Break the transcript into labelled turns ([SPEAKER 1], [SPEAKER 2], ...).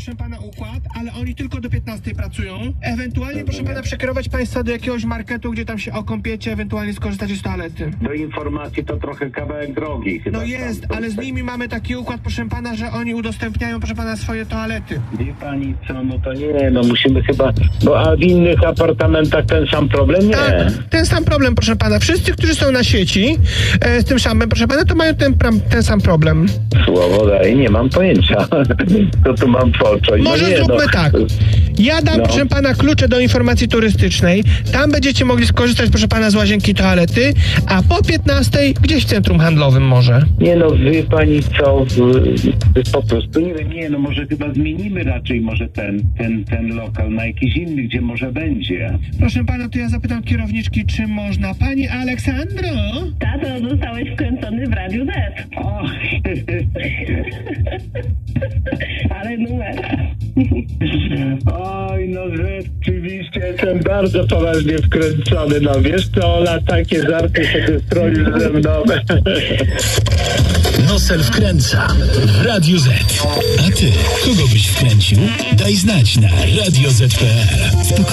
[SPEAKER 1] proszę pana, układ, ale oni tylko do 15 pracują. Ewentualnie, proszę pana, przekierować państwa do jakiegoś marketu, gdzie tam się okąpiecie, ewentualnie skorzystacie z toalety.
[SPEAKER 2] Do informacji to trochę kawałek drogi chyba.
[SPEAKER 1] No jest, ale z nimi mamy taki układ, proszę pana, że oni udostępniają, proszę pana, swoje toalety.
[SPEAKER 2] Wie pani co, no to nie, no musimy chyba, a w innych apartamentach ten sam problem? Nie.
[SPEAKER 1] Tak, ten sam problem, proszę pana. Wszyscy, którzy są na sieci z tym samym, proszę pana, to mają ten sam problem.
[SPEAKER 2] Słowo daj, nie mam pojęcia. Co tu mam począć?
[SPEAKER 1] Może
[SPEAKER 2] nie,
[SPEAKER 1] zróbmy tak. Ja dam,
[SPEAKER 2] No.
[SPEAKER 1] proszę pana, klucze do informacji turystycznej. Tam będziecie mogli skorzystać, proszę pana, z łazienki, toalety, a po 15 gdzieś w centrum handlowym może.
[SPEAKER 2] Nie no, wie pani co, po prostu nie wiem, nie no, może chyba zmienimy raczej może ten lokal na jakiś inny, gdzie może będzie.
[SPEAKER 1] Proszę pana, to ja zapytam kierowniczki, czy można. Pani Aleksandro?
[SPEAKER 3] Tato, zostałeś wkręcony w Radiu Z.
[SPEAKER 2] O,
[SPEAKER 3] Ale numer.
[SPEAKER 2] oj, no rzeczywiście jestem bardzo poważnie wkręcony, no wiesz co, Ola, takie żarty sobie stroisz ze mną.
[SPEAKER 4] Nosel wkręca w Radiu Z. A ty, kogo byś wkręcił? Daj znać na radioz.pl.